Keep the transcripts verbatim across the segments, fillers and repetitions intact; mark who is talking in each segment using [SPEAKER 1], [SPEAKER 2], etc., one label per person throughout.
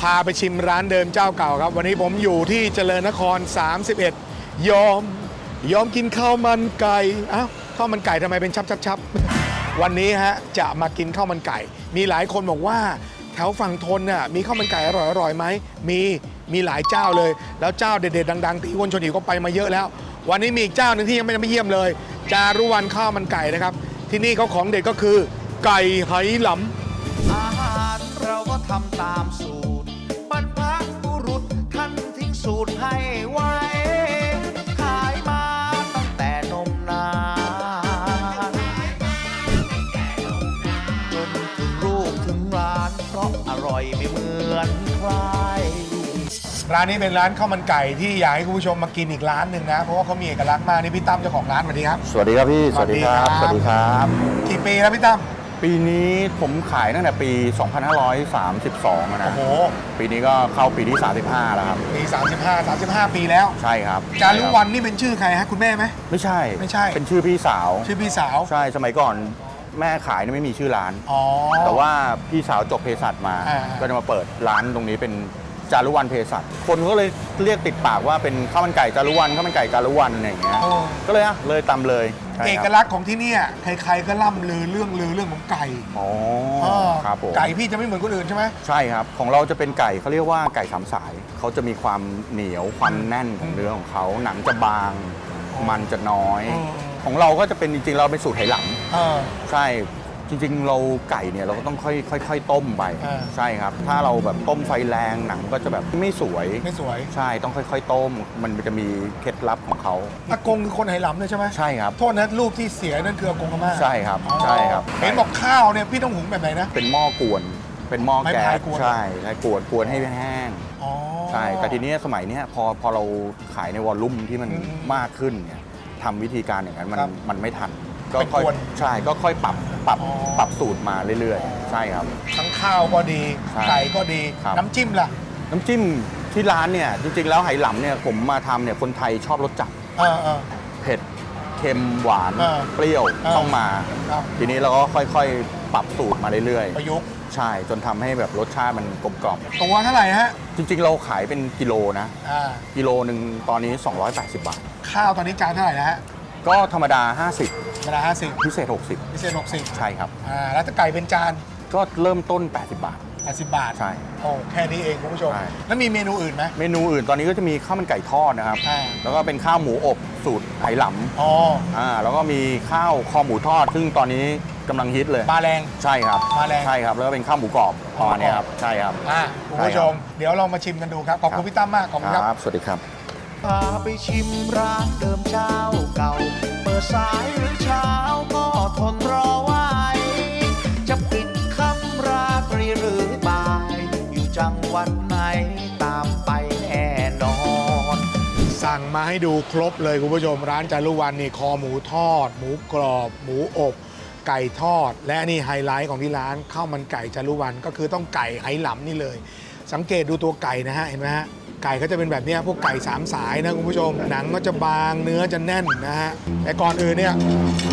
[SPEAKER 1] พาไปชิมร้านเดิมเจ้าเก่าครับวันนี้ผมอยู่ที่เจริญนครสามสิบเอ็ดยอมยอมกินข้าวมันไก่อ้าวข้าวมันไก่ทำไมเป็นชับชับชับวันนี้ฮะจะมากินข้าวมันไก่มีหลายคนบอกว่าแถวฝั่งทนน่ะมีข้าวมันไก่อร่อยอร่อยไหมมีมีหลายเจ้าเลยแล้วเจ้าเด็ดๆดังๆที่คนชนหิวก็ไปมาเยอะแล้ววันนี้มีอีกเจ้าหนึ่งที่ยังไม่ไม่เยี่ยมเลยจารุวรรณข้าวมันไก่นะครับที่นี่เขาของเด็ดก็คือไก่ไหหลำ
[SPEAKER 2] อาหารเราก็ทำตามสูตรบรรพบุรุษท่านทิ้งสูตรให้ไว้ขายมาตั้งแต่นมนานจนถึงลูกถึงร้านเพราะอร่อยไม่เหมือนใคร
[SPEAKER 1] ร้านนี้เป็นร้านข้าวมันไก่ที่อยากให้คุณผู้ชมมากินอีกร้านหนึ่งนะเพราะว่าเขามีเอกลักษณ์มากนี่พี่ตั้มเจ้าของร้านสวัสดีครับ
[SPEAKER 3] สวัสดีครับพี่สวัสดีครับสวัสดีครับ
[SPEAKER 1] กี่ปีแล้วพี่ตั้ม
[SPEAKER 3] ปีนี้ผมขายตั้งแต่ปีสองพันห้าร้อยสามสิบสองนะ
[SPEAKER 1] โอ้โห
[SPEAKER 3] ปีนี้ก็เข้าปีที่สามสิบห้าแล้วครับ
[SPEAKER 1] ปีสามสิบห้า สามสิบห้าปีแล้ว
[SPEAKER 3] ใช่ครับ
[SPEAKER 1] จารุวรรณนี่เป็นชื่อใครฮะคุณแม่ไหม
[SPEAKER 3] ไม่ใช่
[SPEAKER 1] ไม่ใช่
[SPEAKER 3] เป็นชื่อพี่สาว
[SPEAKER 1] ชื่อพี่สาว
[SPEAKER 3] ใช่สมัยก่อนแม่ขายนี่ไม่มีชื่อร้านแต่ว่าพี่สาวจบเภสัชมาก็จะมาเปิดร้านตรงนี้เป็นจารุวรรณเภสัชคนก็เลยเรียกติดปากว่าเป็นข้าวมันไก่จารุวรรณข้าวมันไก่จารุวรรณอะไรอย่างเงี้ยก็เลยอ่ะเลยตำเลย
[SPEAKER 1] เอกลักษณ์ของที่นี่ใครๆก็ล่ำลือเรื่องลือเรื่องของไก่
[SPEAKER 3] อ๋อครับผม
[SPEAKER 1] ไก่พี่จะไม่เหมือนคนอื่นใช่ไหม
[SPEAKER 3] ใช่ครับของเราจะเป็นไก่เขาเรียกว่าไก่สามสายเขาจะมีความเหนียวความแน่นของเนื้อของเขาหนังจะบางมันจะน้อยของเราก็จะเป็นจริงๆเราเป็นสูตรไหหลำใช่จริงๆเราไก่เนี่ยเราก็ต้องค่อยค่อยๆต้มไปใช่ครับถ้าเราแบบต้มไฟแรงหนังก็จะแบบไม่สวย
[SPEAKER 1] ไม่สวย
[SPEAKER 3] ใช่ต้องค่อยๆต้มมันจะมีเคล็ดลับของเขา
[SPEAKER 1] อากงคือคนไหหลำเลยใช่ไหม
[SPEAKER 3] ใช่ครับ
[SPEAKER 1] โทษนะรูปที่เสียนั่นคืออากงอาม่า
[SPEAKER 3] ใช่ครับใช่ครับ
[SPEAKER 1] เห็นบอกข้าวเนี่ยพี่ต้องหุงแบบไหนนะ
[SPEAKER 3] เป็นหม้อกวนเป็นหม้อแก๊สใช่ใช่กวนกวนให้แห้งใช่แต่ทีนี้สมัยนี้พอพอเราขายในวอลลุ่มที่มันมากขึ้นเนี่ยทำวิธีการอย่างนั้นมันมันไม่ทันก็ค่อยใช่ก็ค่อยปรับปรับปรับสูตรมาเรื่อยๆใช่ครับ
[SPEAKER 1] ทั้งข้าวก็ดีไก่ก็ดีน้ำจิ้มล่ะ
[SPEAKER 3] น้ำจิ้มที่ร้านเนี่ยจริงๆแล้วไหหลำเนี่ยผมมาทำเนี่ยคนไทยชอบรสจัดเผ็ดเค็มหวานเปรี้ยวต้องมาทีนี้เราก็ค่อยๆปรับสูตรมาเรื่อย
[SPEAKER 1] ๆประยุกต์
[SPEAKER 3] ใช่จนทำให้แบบรสชาติมันกลมกล่อม
[SPEAKER 1] ตัวเท่าไหร่ฮะ
[SPEAKER 3] จริงๆเราขายเป็นกิโลนะกิโลหนึ่งตอนนี้สองร้อยแปดสิบบาท
[SPEAKER 1] ข้าวตอนนี้จานเท่าไหร่นะฮะ
[SPEAKER 3] ก็ธรรมดาห้าสิบ
[SPEAKER 1] ธรรมดาห้าสิบ
[SPEAKER 3] พิเศษหกสิบ
[SPEAKER 1] พิเศษหกสิบ
[SPEAKER 3] ใช่ครับ
[SPEAKER 1] อ่าแล้วถ้าไก่เป็นจาน
[SPEAKER 3] ก็เริ่มต้นแปดสิบบาท
[SPEAKER 1] แปดสิบบาท
[SPEAKER 3] ใช่
[SPEAKER 1] โอ้แค่นี้เองคุณผู้ชมแล้วมีเมนูอื่นไหม
[SPEAKER 3] เมนูอื่นตอนนี้ก็จะมีข้าวมันไก่ทอดนะครับแล้วก็เป็นข้าวหมูอบสูตรไหหลำอ๋ออ่าแล้วก็มีข้าวคอหมูทอดซึ่งตอนนี้กำลังฮิตเลย
[SPEAKER 1] มาแรง
[SPEAKER 3] ใช่ครับ
[SPEAKER 1] มาแรง
[SPEAKER 3] ใช่ครับแล้วก็เป็นข้าวหมูกรอบประมาณนี้ครับใช่ครับ
[SPEAKER 1] อ่าคุณผู้ชมเดี๋ยวเรามาชิมกันดูครับขอบคุณพี่ตั้มมากขอบคุณครับ
[SPEAKER 3] สวัสดีครับ
[SPEAKER 2] พาไปชิมร้านเดิมเจ้าเก่าเปิดสายหรือเช้าก็ทนรอไว้จะปิดค่ำราตรีหรือบ่ายอยู่จังหวัดไหนตามไปแน่นอน
[SPEAKER 1] สั่งมาให้ดูครบเลยคุณผู้ชมร้านจารุวรรณนี่คอหมูทอดหมูกรอบหมูอบไก่ทอดและนี่ไฮไลท์ของที่ร้านข้าวมันไก่จารุวรรณก็คือต้องไก่ไหหลำนี่เลยสังเกตดูตัวไก่นะฮะเห็นไหมฮะไก่ก็จะเป็นแบบนี้พวกไก่สามสายนะคุณผู้ชมหนังก็จะบางเนื้อจะแน่นนะฮะแต่ก่อนอื่นเนี่ย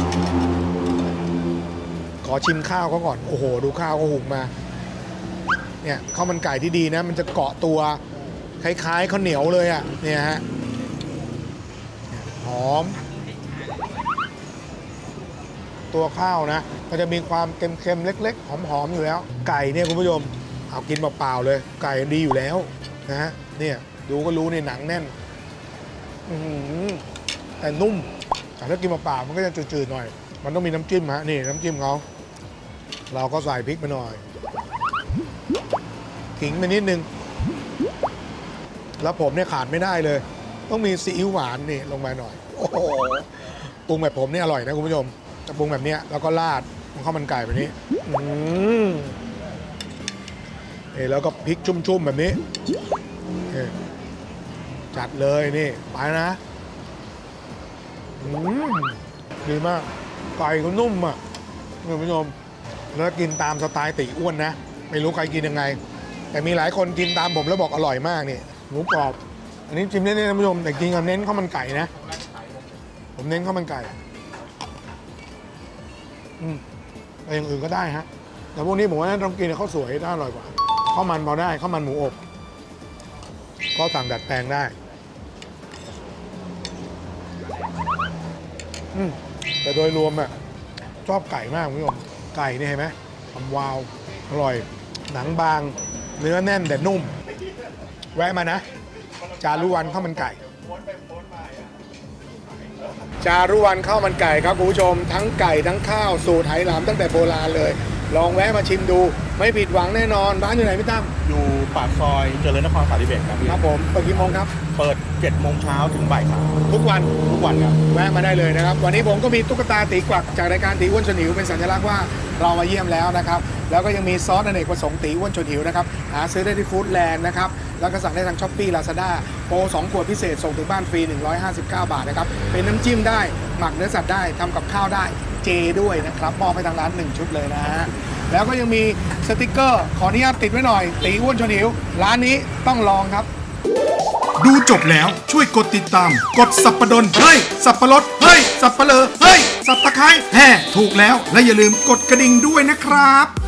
[SPEAKER 1] ขอชิมข้าวเขาก่อนโอ้โหดูข้าวเขาหุงมาเนี่ยข้าวมันไก่ที่ดีนะมันจะเกาะตัวคล้ายๆข้าวเหนียวเลยอ่ะเนี่ยฮะหอมตัวข้าวนะมันจะมีความเค็มๆเล็กๆหอมๆอยู่แล้วไก่เนี่ยคุณผู้ชมเอากินเปล่าๆเลยไก่ดีอยู่แล้วนะฮะเนี่ยดูก็รู้ในหนังแน่นแต่นุ่มแต่ถ้ากินเปล่าๆมันก็จะจืดๆหน่อยมันต้องมีน้ำจิ้มฮะนี่น้ำจิ้มเขาเราก็ใส่พริกไปหน่อยขิงไปนิดนึงแล้วผมเนี่ยขาดไม่ได้เลยต้องมีซีอิ๊วหวานนี่ลงมาหน่อยโอ้โหปรุงแบบผมเนี่ยอร่อยนะคุณผู้ชมจะปรุงแบบเนี้ยแล้วก็ราดมันข้าวมันไก่แบบนี้อืมนี่แล้วก็พริกชุ่มๆแบบนี้จัดเลยนี่ไปนะอืมดีมากไก่ก็นุ่มอ่ะคุณผู้ชมแล้วกินตามสไตล์ตีอ้วนนะไม่รู้ใครกินยังไงแต่มีหลายคนกินตามผมแล้วบอกอร่อยมากนี่หมูกรอบอันนี้จิ้มเน้นๆนะคุณผู้ชมแต่กินกับเน้นข้าวมันไก่นะผมเน้นข้าวมันไก่อืมแต่อย่างอื่นก็ได้ฮะแต่พวกนี้ผมว่าต้องกินข้าวสวยน่าอร่อยกว่าข้าวมันพอได้ข้าวมันหมูอบก็สั่งดัดแปลงได้อืมแต่โดยรวมอะชอบไก่มากคุณผู้ชมไก่นี่เห็นไหมทำวาวอร่อยหนังบางเนื้อแน่นแต่นุ่ม แวะมานะ จารุวรรณข้าวมันไก่ จารุวรรณข้าวมันไก่ครับคุณผู้ชมทั้งไก่ทั้งข้าวสูตรไหหลำตั้งแต่โบราณเลย ลองแวะมาชิมดูไม่ผิดหวังแน่นอนร้านอยู่ไหนพี่ตั้ม
[SPEAKER 3] อยู่ปากซอยเจริญนครสามสิบเอ็ดครับพี่
[SPEAKER 1] ครับผมเปิดกี่โมงครับ
[SPEAKER 3] เปิดเจ็ดโมงเช้าถึงบ่ายสาม
[SPEAKER 1] ทุกวัน
[SPEAKER 3] ทุกวันครับ
[SPEAKER 1] แวะมาได้เลยนะครับ วันนี้ผมก็มีตุ๊กตาตีกวักจากรายการตีอ้วนชวนหิวเป็นสัญลักษณ์ว่าเรามาเยี่ยมแล้วนะครับ แล้วก็ยังมีซอสอเนกประสงค์ตีอ้วนชวนหิวนะครับหาซื้อได้ที่ฟู้ดแลนด์นะครับแล้วก็สั่งได้ทางช้อปปี้ลาซาด้าโปรสองขวดพิเศษส่งถึงบ้านฟรีหนึ่งร้อยห้าสิบเก้าบาทนะครับเป็นน้ำจิ้มได้หมักเนื้อสัตว์ได้ทำกับข้าวได้เจด้วยนะครับมอบให้ทางร้านหนึ่งชุดเลยนะฮะแล้วก็ยังมีสติกเกอร์ขออนุญาตติดไว้หน่อยตีอ้วนชวนหิวร้านนี้ต้องลองครับ ดูจบแล้วช่วยกดติดตาม กดสับปะดนเฮ้ยสับปะรดเฮ้ยสับปะเลอเฮ้ยสับตะไคร้แห่ถูกแล้วและอย่าลืมกดกระดิ่งด้วยนะครับ